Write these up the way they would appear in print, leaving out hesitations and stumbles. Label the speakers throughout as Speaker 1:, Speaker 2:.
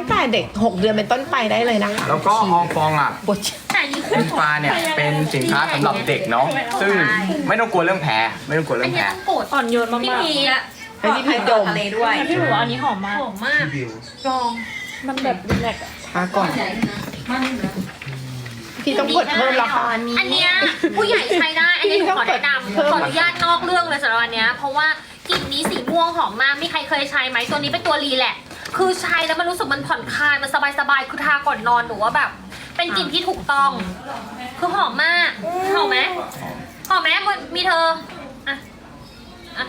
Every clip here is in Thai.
Speaker 1: งแต่เด็ก6 เดือนเป็นต้นไปได้เลยนะคะ
Speaker 2: แล้วก็อองฟองอ่ะ
Speaker 1: ปวด
Speaker 3: แต่ยี่ห้
Speaker 2: อินฟาเนี่ยเป็นสินค้าสำหรับเด็กเนาะซึ่งไม่ต้องกลัวเรื่องแพ้ไม่ต้องกลัว
Speaker 3: อั
Speaker 2: เรื่
Speaker 3: น
Speaker 2: อง
Speaker 3: นี้
Speaker 2: แพ้
Speaker 3: ต้องกด
Speaker 4: อ่อนโยนมาก
Speaker 3: พี่พีอะ
Speaker 1: ให้พี่พีดม
Speaker 4: ทะเลด้วยพี่หมูอันนี้หอมมาก
Speaker 3: หอมมาก
Speaker 4: ลองมันแบบรีแลกซ์อะ
Speaker 1: ทาก่อนพี่ต้องกดเพิ่มแล้วค่ะ
Speaker 3: อันเนี้ยผู้ใหญ่ใช้ได้ อันนี้หนูขอแนะนำขออนุญาตนอกเรื่องเลยสำหรับอันเนี้ยเพราะว่ากลิ่นนี้สีม่วงหอมมากมีใครเคยใช้ไหมตัวนี้เป็นตัวรีแลกซ์คือใช้แล้วมันรู้สึกมันผ่อนคลายมันสบายๆคือทาก่อนนอนหนูว่าแบบ เป็นกลิ่นที่ถูกต้อง คือหอมมากหอมไหมหอมไหมมีเธออ่ะอ่ะ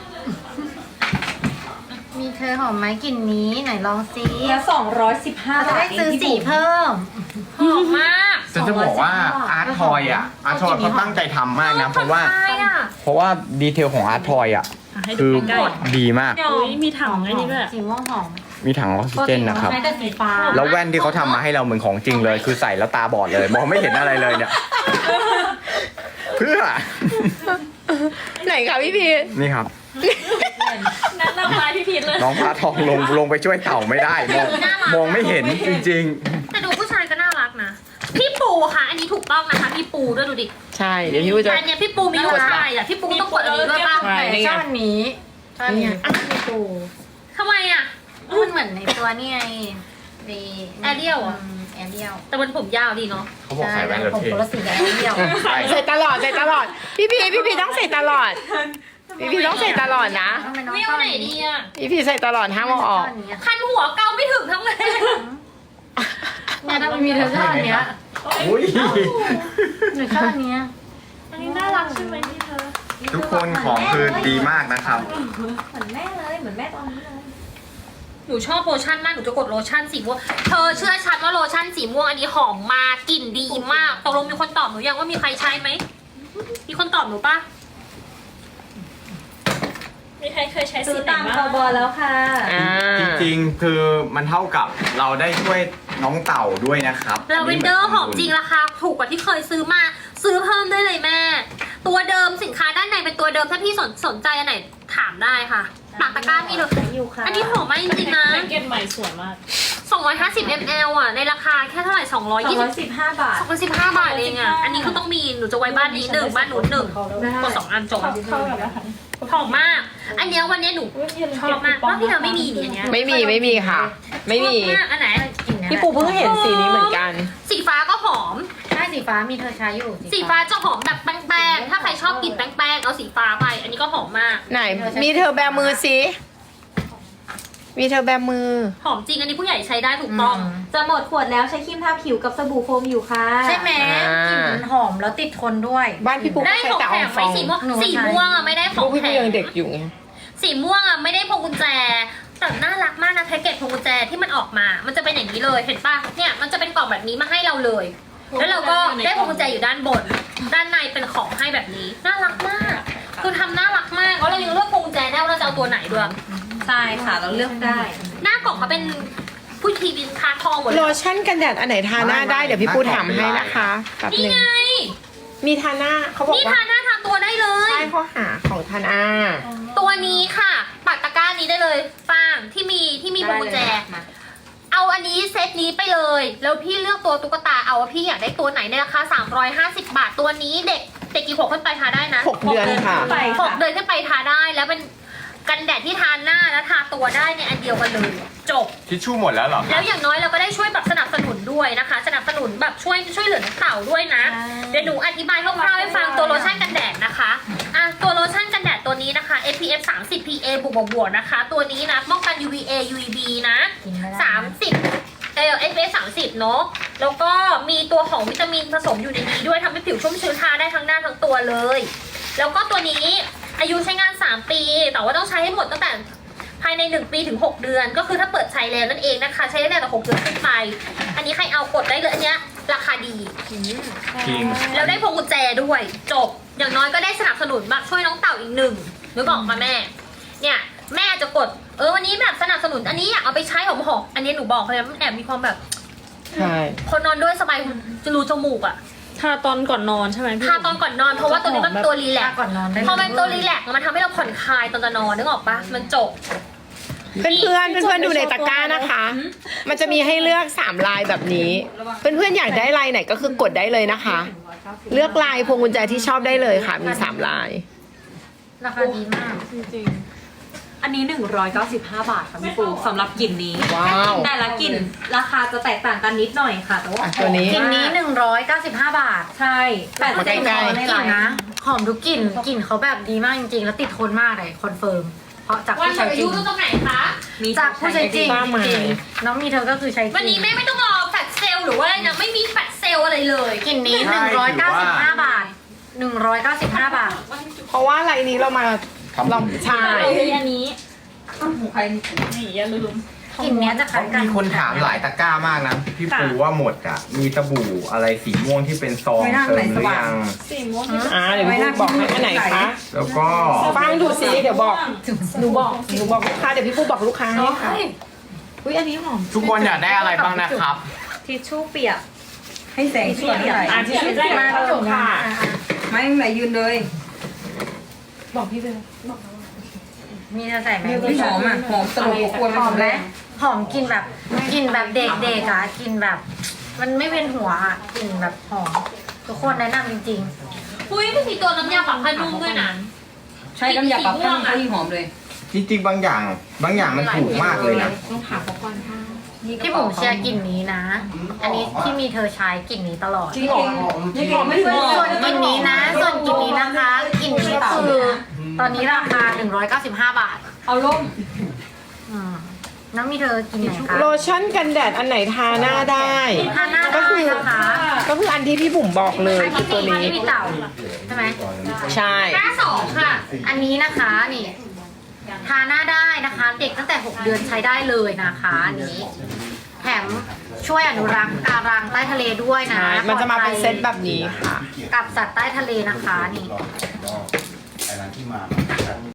Speaker 5: มีเธอหอมไหมกลิ่นนี้ไหนลองซิ
Speaker 4: แล้ว215
Speaker 5: จะได้ซื้อสีเพิ่ม
Speaker 3: หอมมาก
Speaker 2: ฉันจะบอกว่าอาร์ตทอยอ่ะอาร์ตทอยเขาตั้งใจทำมากนะเพราะว่า
Speaker 3: ผ่อนคลยอะ
Speaker 2: เพราะว่าดีเทลของอาร์ตทอยอ่ะ
Speaker 4: ให้
Speaker 2: คื
Speaker 4: ดู
Speaker 2: อ
Speaker 4: ใกล้
Speaker 2: ดีมาก
Speaker 4: ๆอุ้ยมีถังไอ้นี่ด้วย
Speaker 5: สีม่วงหอม
Speaker 2: มีถังออกซิเจนนะครับ
Speaker 5: ใช้แต่สีฟ้า
Speaker 2: แล้วแว่นที่เขาทำมาให้เราเหมือนของจริงเลย คือใส่แล้วตาบอดเลย มองไม่เห็นอะไรเลยเนี่ย เพื่อ
Speaker 1: ไหนคะพี่พี
Speaker 2: นี่ครับ
Speaker 4: นั่นละลายพี่พีทเลย
Speaker 2: น้องพระทองลงไปช่วยเต่าไม่ได้ มองไม่เห็นจริง
Speaker 3: แต่ดูผู้ชายก็น่ารักนะ พี่ปูค่ะ อันนี้ถูกต้องนะคะ พี่ปูด้วยดูดิ
Speaker 1: ใช่เดี๋ยวพี่จะ
Speaker 3: อันเนี้ยพี่ปูมีลูกชายอ่ะ พี่ปูต้องกดอันนี้ด้วยป่ะ
Speaker 1: ใช่
Speaker 5: แต่ชอบอันนี้ชอบอันเนี้ยมีตู
Speaker 3: ทำไมอ่ะ
Speaker 5: มันเหมือนในตัวนี่ไงดี
Speaker 3: แอเรียลเหรอ
Speaker 5: แอเรียล
Speaker 3: แต่มันผมยาวดีเนาะ
Speaker 2: ๆ เขาบอกใส่แว่นแล้ว
Speaker 5: ผม
Speaker 2: เท่
Speaker 5: คนละสีกับแอเรียล
Speaker 2: ใช่
Speaker 1: ใส่ตลอดใส่ตลอด พี่พีต้องใส่ตลอด พี่พีต้องใส่ตลอดนะ
Speaker 5: ทำไมน้อง
Speaker 3: วิว
Speaker 5: ชอบ
Speaker 3: ไหน
Speaker 5: อัน
Speaker 3: ดี
Speaker 5: นี้
Speaker 3: อ่ะ
Speaker 1: พี่พีใส่ตลอดห้ามเอาออก
Speaker 3: คันหัวเกาไม่ถึงทั้งเลย
Speaker 5: เนี่ยถ้ามันมีเธอชอบอันเนี้ย
Speaker 2: อุ้ย
Speaker 5: หนูชอบอันเนี้ย
Speaker 4: อันนี้น่ารักใช่ไหมพี่เธอ
Speaker 2: ทุกคนของคือดีมากนะครับ
Speaker 5: เหมือนแม่เลยเหมือนแม่ตอนนี้เลย
Speaker 3: หนูชอบโลชั่นมาก หนูจะกดโลชั่นสีม่วง เธอเชื่อฉันว่าโลชั่นสีม่วงอันนี้หอมมากกลิ่นดีมากตกลงมีคนตอบหนูยังว่ามีใครใช้ไหม มีคนตอบหนูปะ
Speaker 4: มีใครเคยใช้
Speaker 5: ซื้
Speaker 4: สี
Speaker 5: อ
Speaker 4: ไหน
Speaker 5: ตาม
Speaker 4: บ้าง
Speaker 5: คอบอแล้วค่ะ
Speaker 1: อ่า
Speaker 2: จริงๆ คือมันเท่ากับเราได้ช่วยน้องเต่าด้วยนะครับ
Speaker 3: ลาเวนเดอร์หอมจริงราคาถูกกว่าที่เคยซื้อมา ซื้อเพิ่มได้เลยแม่ ตัวเดิมสินค้าด้านในเป็นตัวเดิมถ้าพี่สนใจอันไหนถามได้ค่ะปากตะกร้ามีเลย
Speaker 5: อยู่ค่ะ
Speaker 3: อันนี้หอมมากจริงๆนะ
Speaker 4: แพ็กเกจใหม่สวยมาก
Speaker 3: 250 ml อ่ะในราคาแค่เท่าไหร่220
Speaker 5: 215 บาท
Speaker 3: 215 บาทเองอ่ะอันนี้คือต้องมีหนูจะไว้บ้านนี้หนึ่งบ้านหนูหนึ่งกด2 อันจบ
Speaker 4: เข้ากับอาหาร
Speaker 3: หอมมาก อันเนี้ยวันเนี้ยหนูชอบมากว่าพี่เธอไม่มีนี่อันเนี้ย
Speaker 1: ไม่มีค่ะ ไม่มี
Speaker 3: ชอบมากอันไหน
Speaker 1: พี่ปูเพิ่งเห็นสีนี้เหมือนกัน
Speaker 3: สีฟ้าก็หอม
Speaker 5: ใช่สีฟ้ามีเธอใช้อยู่
Speaker 3: สีฟ้าจะหอมแบบแป้งๆ ถ้าใครชอบกลิ่นแป้งๆ เอาสีฟ้าไป อันนี้ก็หอมมาก
Speaker 1: ไหน มีเธอแบมือสิมีเธอแบมือ
Speaker 3: หอมจริง อันนี้ผู้ใหญ่ใช้ได้ถูกต้อง
Speaker 6: จะหมดขวดแล้วใช้ครีมทาผิวกับสบู่โฟมอยู่ค่ะ
Speaker 5: ใช่ไหม
Speaker 1: อ่า
Speaker 5: กลิ่นมันหอมแล้วติดทนด้วย
Speaker 1: บ้านพี่ปู
Speaker 3: ได้
Speaker 1: ใช้
Speaker 3: ของ
Speaker 1: แต่
Speaker 3: แถ
Speaker 1: ออ
Speaker 3: ม
Speaker 1: งฟ
Speaker 3: ไว้
Speaker 1: อง
Speaker 3: สีม่วง
Speaker 5: หนูใช้
Speaker 3: สีม่วงอ่ะไม่ได้ข
Speaker 1: ลู
Speaker 3: อก ง
Speaker 1: พี่
Speaker 3: แถ
Speaker 1: ปู
Speaker 3: ม
Speaker 1: ยังเด็กอยู่ไง
Speaker 3: สีม่วงอ่ะไม่ได้พวงกุญแจ แต่น่ารักมากนะแพ็กเกจพวงกุญแจที่มันออกมา มันจะเป็นอย่างนี้เลย เห็นปะเนี่ย มันจะเป็นกล่องแบบนี้มาให้เราเลย แล้วเราก็ได้พวงกุญแจอยู่ด้านบน ด้านในเป็นของให้แบบนี้ น่ารักมาก คือทำน่ารักมากแล้วเรายังเลือกพวงกุญแจได้ว่าเราจะเอาตัวไหนด้วย
Speaker 5: ใช่ค่ะเราเลือกได้
Speaker 3: หน้ากล่องเขาเป็นผู้ทีวินคาทองหมดเล
Speaker 1: โล
Speaker 3: ย
Speaker 1: ชั่นกันแดดอันไหนทาหน้าได้เดี๋ยวพี่ปูถามให้นะคะแป๊บห
Speaker 3: นี่
Speaker 1: นึง
Speaker 3: ไง
Speaker 1: มีทาหน้าเขาบอก
Speaker 3: นี่
Speaker 1: ว่า
Speaker 3: ทาหน้าทาตัวได้เลย
Speaker 1: ใช่ข้อหาของทาหน้า
Speaker 3: ตัวนี้ค่ะปักตะกร้านี้ได้เลยฟางที่มีพวงกุญแจ เอาอันนี้เซตนี้ไปเลย แล้วพี่เลือกตัวตุ๊กตาเอาว่าพี่อยากได้ตัวไหนในราคา350 บาทตัวนี้เด็กกี่ขวบขึ้นไปทาได้นะ
Speaker 1: 6 เดือนค่ะ
Speaker 3: 6 เดือนขึ้นไปทาได้แล้วเป็นกันแดดที่ทาหน้าและทาตัวได้ในอันเดียวกันเลยจบ
Speaker 2: ทิชชู่หมดแล้วเหรอ
Speaker 3: แล้วอย่างน้อยเราก็ได้ช่วยแบบสนับสนุนด้วยนะคะ สนับสนุนแบบช่วยเหลือน้องเต่าด้วยนะ เดี๋ยวหนูอธิบายคร่าวๆให้ฟังตัวโลชั่นกันแดดนะคะตัวโลชั่นกันแดดตัวนี้นะคะ SPF 30 PA บวกนะคะ ตัวนี้นะป้องกัน UVA UVB นะ30SPF 30เนาะแล้วก็มีตัวของวิตามินผสมอยู่ในนี้ด้วยทำให้ผิวชุ่มชื้นทาได้ทั้งหน้าทั้งตัวเลย แล้วก็ตัวนี้อายุใช้งาน 3 ปี แต่ว่าต้องใช้ให้หมดตั้งแต่ภายใน1 ปีถึง 6 เดือน ก็คือถ้าเปิดใช้แล้วนั่นเองนะคะ ใช้ได้แต่6 เดือนขึ้นไป อันนี้ใครเอากดได้เลยอันเนี้ยราคาดี
Speaker 2: จริง
Speaker 3: แล้วได้พวงกุญแจด้วยจบ อย่างน้อยก็ได้สนับสนุนมาช่วยน้องเต่าอีกหนึ่งนึกออกมาแม่ เนี่ยแม่จะกดวันนี้แบบสนับสนุนอันนี้อยากเอาไปใช้หอมๆอันนี้หนูบอกเลยมันแอบมีความแบบ
Speaker 1: ใช่
Speaker 3: คนนอนด้วยสบายจะรูจมูกอะ
Speaker 4: ทาตอนก่อนนอนใช่ไหมพี่
Speaker 3: ทาตอนก่อนนอนเพราะว่าตัวนี้มันตัวรีแลกซ์
Speaker 5: ก่อนนอนได้
Speaker 3: พอมันตัวรีแลกซ์มันทำให้เราผ่อนคลายตอนจะนอนนึกออกปะมันจบ
Speaker 1: เพื่อนๆดูในตะกร้านะคะ มันจะมีให้เลือก3ลายแบบนี้ เพื่อนๆอยากได้ลายไหนก็คือกดได้เลยนะคะ เลือกลายพวงกุญแจที่ชอบได้เลยค่ะ มี3ลาย
Speaker 5: ราคาดีมาก
Speaker 4: จริง
Speaker 7: อันนี้ 195 บาทค่ะพี่ปูสำหรับกลิ่นนี้
Speaker 1: ว้าว
Speaker 7: แต่ละกลิ่นราคาจะแตกต่างกันนิดหน่อยค่ะ แต่ว่า
Speaker 1: อ่ะตัวนี้
Speaker 5: กลิ่นนี้195 บาท
Speaker 7: ใช่แต่
Speaker 1: มาใกล้ๆ
Speaker 7: ใน
Speaker 5: กลิ่
Speaker 7: ไล
Speaker 5: น
Speaker 7: น์
Speaker 5: นะหอมทุกกลิ่นกลิ่นเขาแบบดีมากจริงๆ แล้วติดทนมากเลยคอนเฟิร์มเพราะจาก
Speaker 3: วัน
Speaker 5: ผู้
Speaker 3: หม
Speaker 5: ใช้
Speaker 3: ดอา
Speaker 5: จริ
Speaker 3: ยุ
Speaker 5: ง
Speaker 3: ตรงไหนคะ
Speaker 7: มี
Speaker 5: จากผู้ใช้จริง
Speaker 1: ป้าหมาย
Speaker 5: จริงๆน้องมีเธอก็คือใช้จริง
Speaker 3: วันนี้แม่ไม่ต้องรอแฟลชเซลล์หรือว่าอะไรนะไม่มีแฟลชเซลล์อะไรเลย
Speaker 5: กลิ่นนี้195 บาท195 บาท
Speaker 1: เพราะว่าลายนี้เรามาลองใช่
Speaker 4: ๆอันนี้นี่อย่าลืม
Speaker 5: กลิ่นเนี้ยจะคล้ายกัน
Speaker 2: มีคนถามหลายตะกร้ามากนะพี่ปูว่าหมดอ่ะ มีสบู่อะไรสีม่วงที่เป็นซองเติมหรือยัง
Speaker 4: สีม่วง
Speaker 1: เดี๋ยวพี่ปูบอกให้อันไหนคะ
Speaker 2: แล้วก็
Speaker 1: ฟังดูซิเดี๋ยวบอกหนูบอกลูกค้าเดี๋ยวพี่ปูบอกลูกค้าให้ค่ะอุ้ยอันนี้หอม
Speaker 2: ทุกคนอยากได้อะไรบ้างนะครับ
Speaker 7: ทิชชู่เปียก
Speaker 8: ให้แสงสวยหน่อย
Speaker 1: ที่ช่วยได้มาจบค่ะ
Speaker 8: ไม่ไหนยืนเลย
Speaker 1: บอกพี่ไปเลย
Speaker 5: มีเธอใส่ไหม
Speaker 8: ไม่หอมอ่ะ หอมตลบอบอวน
Speaker 5: หอมไหม
Speaker 8: เลย
Speaker 5: หอมกลิ่นแบบกลิ่นแบบเด็กๆอ่ะกลิ่นแบบ มันไม่เวียนหัวอ่ะกลิ่นแบบหอมทุกคนแนะนำจริง
Speaker 3: อุ้ยมันมีตัวน้ำยาปรับผ้านุ่มด้วยนะ
Speaker 8: ใช้น้ำยาปรับผ้านุ่มก็ยิ่งหอมเลย
Speaker 2: จริงๆบางอย่างมันถูกมากเลยนะ
Speaker 5: ๆพี่บุ๋มเชียร์กลิ่นนี้นะ อันนี้ที่มีเธอใช้กลิ่นนี้ตลอด
Speaker 8: จริงนี่หอมไม่หอ
Speaker 5: ส่ว
Speaker 8: ม
Speaker 5: นกลิ่นนี้นะ ส่วนกลิ่นนี้นะคะกลิ่นนี้คือตอนนี้ราคา195 บาท
Speaker 8: เอาล่ม
Speaker 5: อืมน้องมีเธอกินไหนคะ
Speaker 1: โลชั่นกันแดดอันไหนทาหน้าได้
Speaker 5: ทาหน้าได้นะคะ
Speaker 1: ก็คืออันที่พี่บุ๋มบอกเลย
Speaker 5: อันที่
Speaker 1: ตัว
Speaker 5: มี
Speaker 1: นี้
Speaker 5: ที่มีเต่าใช่ไหม
Speaker 1: ใช่
Speaker 3: หน้าสองค่ะ
Speaker 5: อันนี้นะคะนี่ทาหน้าได้นะคะ เด็กตั้งแต่ 6 เดือนใช้ได้เลยนะคะอันนี้แถมช่วยอนุรักษ์การังใต้ทะเลด้วยนะ
Speaker 1: ใช่มันจะมาเป็นเซตแบบนี้ค่ะ
Speaker 5: กับสัตว์ใต้ทะเลนะคะนี่
Speaker 9: ไอ้ร้านที่มา